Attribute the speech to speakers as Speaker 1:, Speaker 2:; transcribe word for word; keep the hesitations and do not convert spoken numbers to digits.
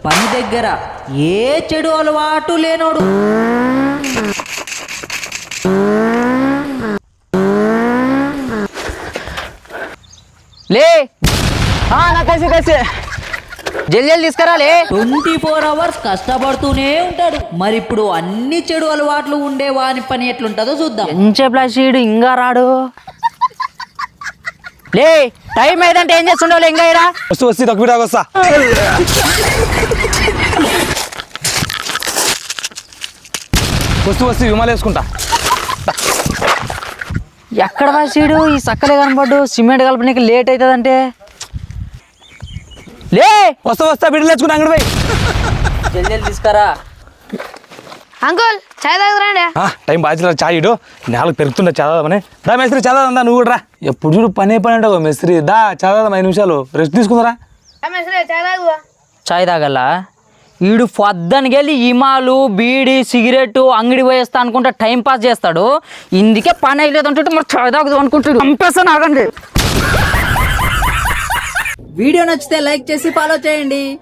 Speaker 1: పని దగ్గర ఏ చెడు అలవాటు లేనోడు.
Speaker 2: లే నా కలిసి కలిసి జల్లి జల్లి తీసుకురాలే.
Speaker 1: ట్వంటీ ఫోర్ అవర్స్ కష్టపడుతూనే ఉంటాడు. మరి ఇప్పుడు అన్ని చెడు అలవాట్లు ఉండే వాని పని ఎట్లుంటుందో చూద్దాం.
Speaker 2: ఎంచేప్లాసీడు ఇంకా రాడు. లే టైం ఏదంటే ఏం చేస్తుండవు ఇంకా ఇరా
Speaker 3: వస్తూ వస్తే తక్కువ దాకా వస్తా. వస్తూ వస్తే విమాలు వేసుకుంటా.
Speaker 2: ఎక్కడ వాసీడు ఈ సక్కలే కనపడ్డు. సిమెంట్ కలపడానికి లేట్ అవుతుందంటే లే
Speaker 3: వస్తా వస్తా బిడ్డలు తెచ్చుకుంటా అంగడి పోయి.
Speaker 2: జల్ది జల్ది తీసుకురా.
Speaker 4: అంకుల్ చాయ్ తాగుతురండి.
Speaker 3: టైం బాధ్యత చాయ్ ఇడు నేలకు పెరుగుతుండే చదవమని. దా మేస్త్రి చదవదా నువ్వు కూడా రా. ఎప్పుడు చూడు పనే పని అంటావు మేస్త్రి. దా చదవదాం ఐదు నిమిషాలు రెస్ట్ తీసుకుందరా.
Speaker 4: చాయ్ తాగుదా?
Speaker 2: చాయ్ తాగల్లా వీడు పొద్దునకి వెళ్ళి ఇమాలు బీడి సిగరెట్ అంగడి పోయేస్తా అనుకుంటా టైం పాస్ చేస్తాడు. ఇందుకే పని అయ్యలేదు అంటుంటే మరి చాయ్ తాగుదాం అనుకుంటాడు. చంపేస్తాను ఆగండి.
Speaker 1: వీడియో నచ్చితే లైక్ చేసి ఫాలో చేయండి.